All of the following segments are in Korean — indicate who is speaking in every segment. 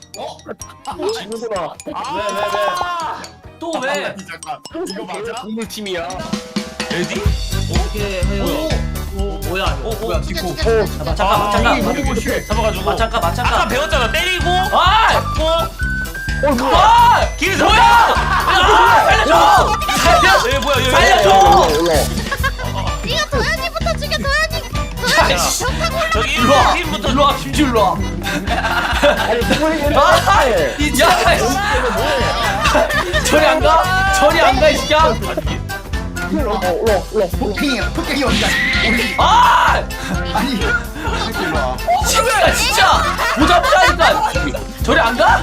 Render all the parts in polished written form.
Speaker 1: 지는구나.
Speaker 2: 또 왜?
Speaker 3: 잠깐 이거 맞아?
Speaker 1: 동물팀이야.
Speaker 2: 레디?
Speaker 4: 어떻게 해요? 뭐야 이거?
Speaker 2: 뭐야 디코
Speaker 4: 잠깐.
Speaker 2: 잡아가지고
Speaker 4: 잠깐.
Speaker 2: 아까 배웠잖아 때리고
Speaker 4: 아!
Speaker 2: 잡고
Speaker 4: 아!
Speaker 2: 길
Speaker 4: 뭐야? 아! 살려줘!
Speaker 2: 뭐야 여기
Speaker 4: 살려줘!
Speaker 5: 이거 도현이부터 죽여 도현이.
Speaker 4: 야,
Speaker 5: 도현이
Speaker 4: 씨.
Speaker 5: 벽타고
Speaker 2: 저기
Speaker 4: 일로와!
Speaker 2: 팀부터
Speaker 4: 일로와 김주 일로와!
Speaker 1: 아니 동물이
Speaker 4: 아! 야! 저리 안 가? 저리 안 가 이 새끼야!
Speaker 1: 올라.
Speaker 3: 토끼 어디야?
Speaker 4: 아!
Speaker 3: 아니
Speaker 4: 친구야 진짜! 보자보자니까! 저리 안 가?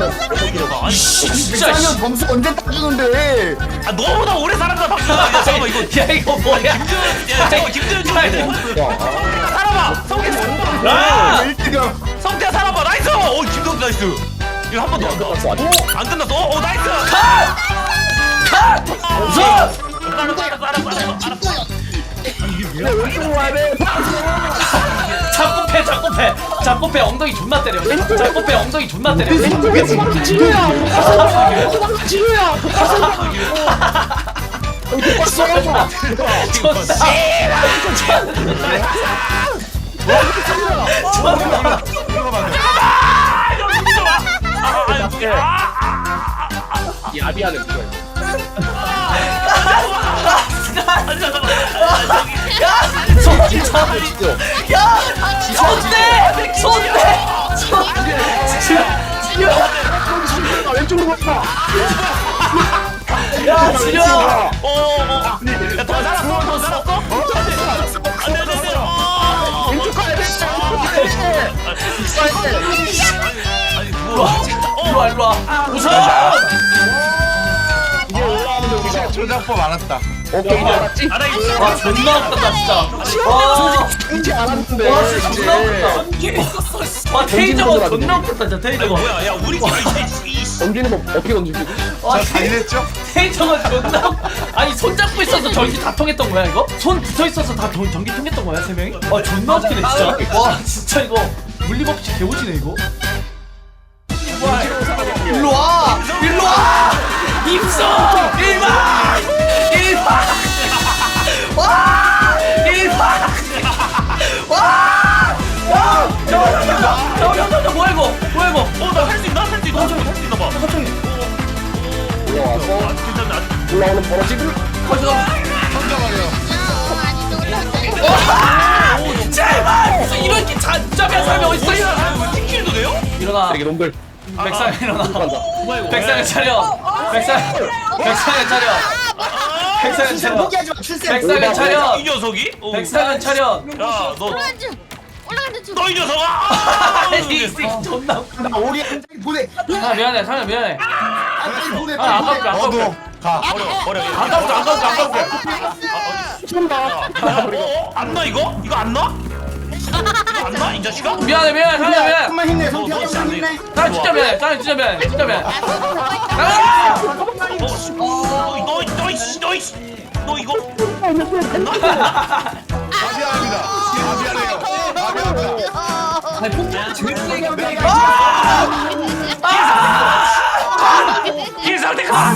Speaker 4: 진짜 씨.
Speaker 3: 점수 언제 따주는데?
Speaker 2: 아 너보다 오래 살았다 박수가 야 잠깐만 이거
Speaker 4: 야 이거 뭐야?
Speaker 2: 야 잠깐만 김도현 살아봐 성태 살아봐
Speaker 4: 아!
Speaker 3: 1등이야.
Speaker 2: 성태 살아봐 나이스 김도현 나이스 이거 한 번 더 안 끝났어 나이스
Speaker 4: 컷! 우선!
Speaker 2: 알았어
Speaker 1: 왼쪽으로 와야 돼.
Speaker 4: 자꾸 패 엉덩이 존나 때려 자꾸 패 엉덩이 존나 때려
Speaker 1: 지루야. 지루야. 야비하는 거야. 왼쪽으로 가.
Speaker 4: 야 지려
Speaker 2: 야더 살았어 더 살았어 안돼
Speaker 1: 왼쪽 가야 돼.
Speaker 4: 일로와 우선
Speaker 1: 이제 올라오는데 우리가
Speaker 3: 조작법 알았다.
Speaker 1: 오케이 이제 알았지?
Speaker 2: 알아 있어
Speaker 4: 와 존나 웃겼다 진짜 와
Speaker 1: 이제 알았는데.
Speaker 4: 와 진짜 존나 웃겼다 와 테이저건 존나 웃겼다 진짜 테이저건
Speaker 2: 뭐야 야 우리
Speaker 1: 던지는 거 어떻게 던지지?
Speaker 4: 와
Speaker 3: 잘했죠?
Speaker 4: 테이저건 존나 아니 손 잡고 있어서 전기 다 통했던 거야 이거? 손 붙어 있어서 다 전기 통했던 거야 세 명이? 와 존나 웃기네 진짜 와 진짜 이거 물리법칙 개오지네 이거 일로와 입소 1박 와 1박 저 뭐야 이거
Speaker 2: 나 할 수 있나 봐
Speaker 1: 올라와서
Speaker 2: 괜찮아
Speaker 1: 올라오는 버러지들.
Speaker 4: 제발 무슨 이렇게 잔잡이한 사람이 어딨어
Speaker 2: 팀킬도 돼요?
Speaker 4: 일어나
Speaker 1: 쓰레기 놈들.
Speaker 4: 백상 일어나
Speaker 1: 간다.
Speaker 4: 백상을 차려 백상을 차려 백상을 차려 백상을 차려
Speaker 2: 이 녀석이?
Speaker 4: 백상을 차려
Speaker 2: 야너
Speaker 5: 올라간다 중.
Speaker 2: 너 이 녀석아!
Speaker 4: 아니 이 새끼 존나 웃겨.
Speaker 3: 나 오리 한 장이 보내.
Speaker 4: 아 미안해 상현 미안해
Speaker 3: 한 장이 보내.
Speaker 4: 아 아깝게 아깝게
Speaker 3: 가.
Speaker 2: 버려
Speaker 4: 아깝게
Speaker 2: 안 나 이거? 이거 안 나? 이거 안 나? 이 자식아?
Speaker 4: 미안해 상현 미안해
Speaker 3: 좀만 힘내.
Speaker 2: 너
Speaker 3: 성태
Speaker 2: 진짜
Speaker 3: 한
Speaker 2: 안
Speaker 3: 힘내.
Speaker 2: 돼.
Speaker 4: 상현 진짜 미안해 상현 진짜 미안해 진짜 미안해
Speaker 2: 너 이거
Speaker 3: 미안합니다. 미안해요. 미안합니다.
Speaker 4: 아니 폭탄 제일 세게 한 명이
Speaker 2: 길상대 가!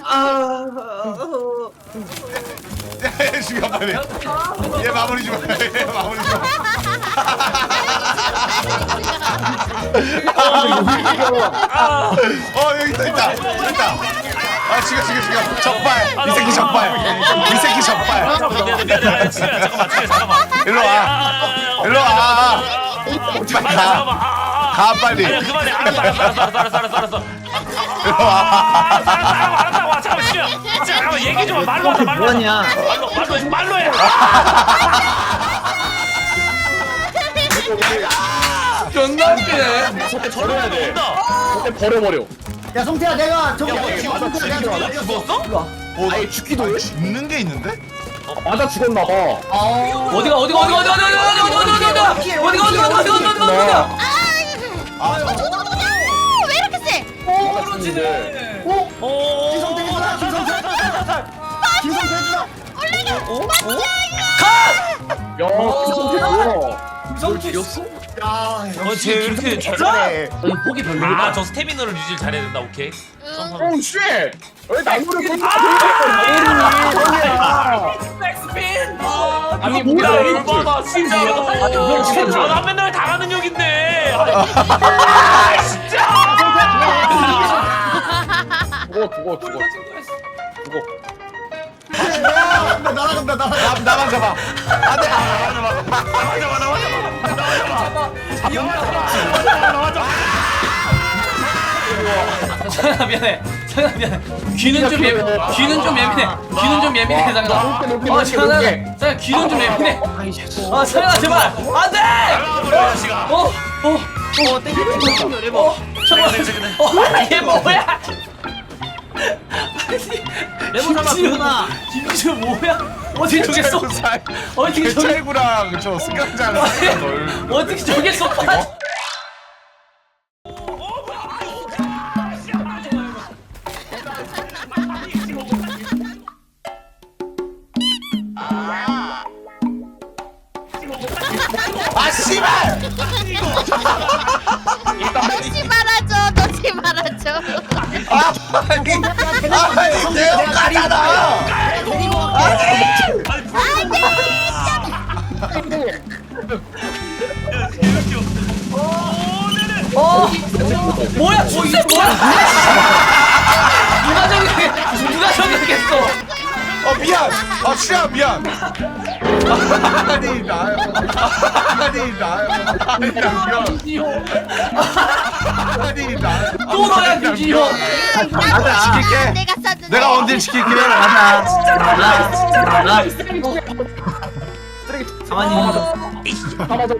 Speaker 3: 죽여 빨리. 얘 마무리 좀. 얘 마무리 좀. 여기 있다. 아 죽여. 적발. 이 새끼 적발.
Speaker 2: 미안해 잠깐만
Speaker 3: 일로 와. 빨리 가 빨리.
Speaker 2: 아니야 그만해 알았어
Speaker 3: 일로 와.
Speaker 2: 알았다고 잠깐만 얘기 좀 말로 하자 말로 말로 해
Speaker 4: 존나 웃기네
Speaker 1: 속에 버려야 돼.
Speaker 2: 온다
Speaker 1: 속에 버려버려.
Speaker 3: 야 성태야 내가 저기
Speaker 2: 죽었어?
Speaker 1: 아예 죽기도 해?
Speaker 3: 죽는 게 있는데?
Speaker 1: 맞아 죽었나 봐.
Speaker 4: 어디가
Speaker 5: 왜 이렇게 세?
Speaker 1: 떨어지네.
Speaker 3: 김성태 해주라. 김성태 해주라.
Speaker 5: 올라가.
Speaker 1: 야, 김성태 뭐야? 김성태 이겼어?
Speaker 2: 쟤 왜 이렇게
Speaker 3: 잘해.
Speaker 4: 폭이 별로야.
Speaker 2: 아저 스태미너를 유지를 잘해야 된다. 오케이.
Speaker 1: 오 쉣! 왜 나무를 건드려?
Speaker 2: 백스핀.
Speaker 1: 아니
Speaker 2: 뭐야
Speaker 1: 뭐야
Speaker 2: 얼마나 진짜. 나 맨날 당하는 욕인데. 진짜.
Speaker 1: 죽어.
Speaker 3: 날아간다. 나만 잡아. 안돼.
Speaker 4: 상현아 미안해. 상현아 미안해. 귀는 좀 예민해. 귀는 좀 예민해. 상현아. 상현아 귀는 좀 예민해. 상현아 제발 안돼. 잠깐만. 얘 뭐야? 김지우 김지우 뭐야? 어떻게 저겠어? 어떻게 저게
Speaker 3: 개찰구랑 저 승강장
Speaker 4: 어떻게 저겠어?
Speaker 3: 아 씨발!
Speaker 5: 넣지 말아줘. 넣지 말아줘.
Speaker 3: 아니 대형가잖아!
Speaker 4: 뭐야? 진짜 뭐야? 누가 저기겠어?
Speaker 3: 미안! 슈야 미안! 아니 나요 아니 나요
Speaker 4: 또 너야 김지효.
Speaker 3: 지킬게.
Speaker 5: 내가 쐈는데.
Speaker 3: 내가 언제 지킬게. 가자.
Speaker 1: 잡아.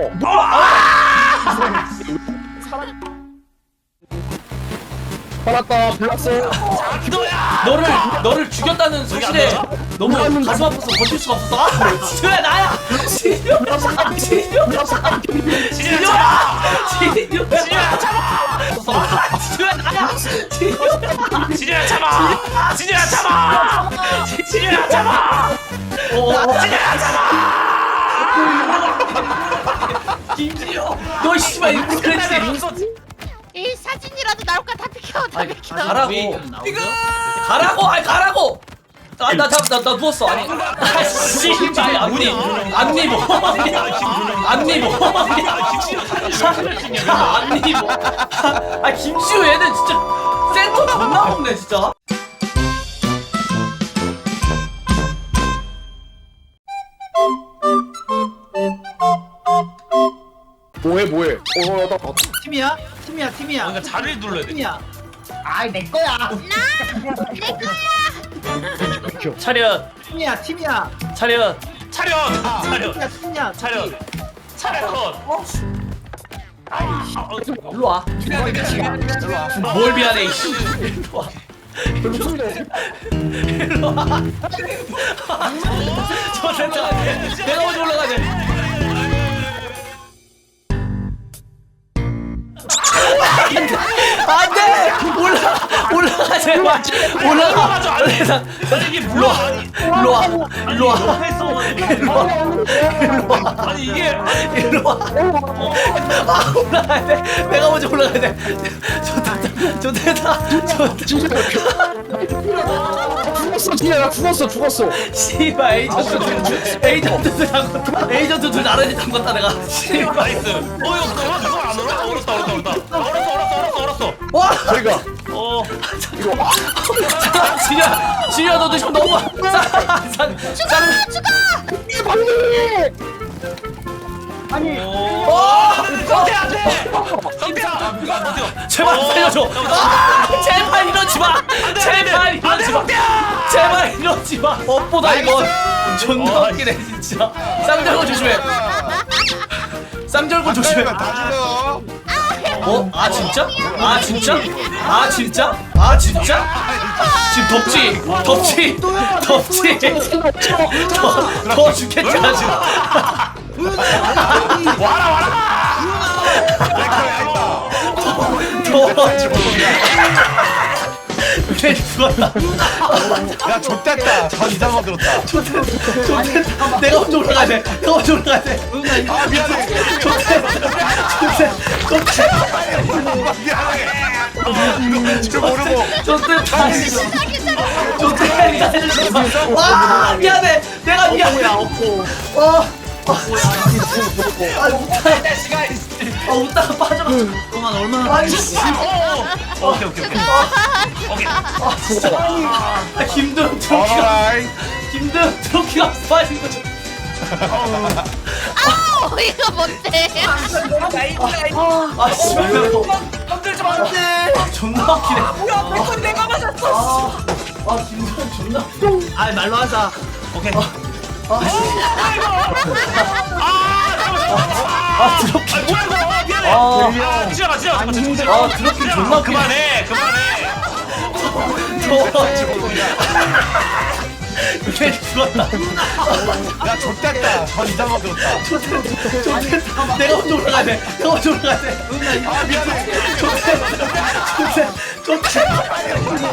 Speaker 1: 살았다 불났어.
Speaker 4: 너를 죽였다는 사실에 너무 가슴 아파서 버틸 수가 없었어. 지효야 나야. 지효야 나야.
Speaker 2: 진우야 참아. 진우야 참아.
Speaker 4: 김지효 너 씨발 이거 그랬지.
Speaker 5: 이 사진이라도 나올까 다 비켜. 다 비켜.
Speaker 4: 가라고. 나 누웠어. 아니. 씨발 앞니 김지효 얘는 진짜 센터 존나 먹네 진짜.
Speaker 1: 뭐해? 나
Speaker 6: 팀이야?
Speaker 2: 그러니까 자리를 눌러야 돼.
Speaker 6: 아이 내 거야.
Speaker 2: 차렷.
Speaker 6: 팀이야.
Speaker 2: 차렷.
Speaker 4: 일로 와. 뭘 미안해 이씨. 일로 와. 저 센터 내가 먼저 올라가야 돼. 안돼 올라가 제발 올라가.
Speaker 2: 이게 뭐야?
Speaker 4: 일로 와.
Speaker 2: 아니 이게
Speaker 4: 일로 와. 올라가야 돼. 내가 먼저 올라가야 돼. 좋다.
Speaker 1: 죽었어. 진짜 나 죽었어.
Speaker 4: 씨발 에이전트 둘 나란히 담궜다 내가. 씨발.
Speaker 2: 나이스. 이거 누가 안 얼었다. 얼었어.
Speaker 4: 와.
Speaker 1: 저리가.
Speaker 4: 진이야 너도 지금 너무 제발 살려줘. 제발 이러지 마. 제발 이러지 마. 업보다 이거 존나 웃기네 진짜. 쌍절곤 조심해. 쌍절곤 조심해.
Speaker 3: 다 죽어.
Speaker 4: 아 진짜? 지금 덥지? 더 죽겠잖아 지금. 쟤 죽었다.
Speaker 3: 야 좆됐다. 전 이상한 거 들었다.
Speaker 4: 좋댔다. 내가 먼저 올라가야 돼. 내가 먼저 올라가야 돼.
Speaker 3: 아 미안해. 미안해. 줄 모르고.
Speaker 4: 좋댔다. 좋댔다. 와 미안해. 내가 미안해. 웃다가 빠져.
Speaker 6: 그동안 얼마나
Speaker 4: 아니 씨.
Speaker 2: 오케이. 오케이.
Speaker 4: 진짜. 김도영 트로키가
Speaker 3: 어라이.
Speaker 4: 김도영 트로키가 빠진 거죠.
Speaker 5: 아우 이거 뭔데?
Speaker 4: 아 씨발. 건들지 마. 존나 웃기네. 뭐야? 내가 맞았어. 아 김도영 존나.
Speaker 6: 아 말로 하자.
Speaker 2: 오케이.
Speaker 4: 트로키.
Speaker 2: 뭐야 이거? 미안해. 지나가.
Speaker 4: 트로키 존나 웃기네.
Speaker 2: 그만해.
Speaker 4: 쟤 죽었다.
Speaker 3: 야 좆됐다. 전 이상한 거 들었다.
Speaker 4: 좋댔다. 내가 먼저 올라가야 돼. 내가 먼저 올라가야 돼.
Speaker 3: 아 미안해.
Speaker 4: 좋댔다.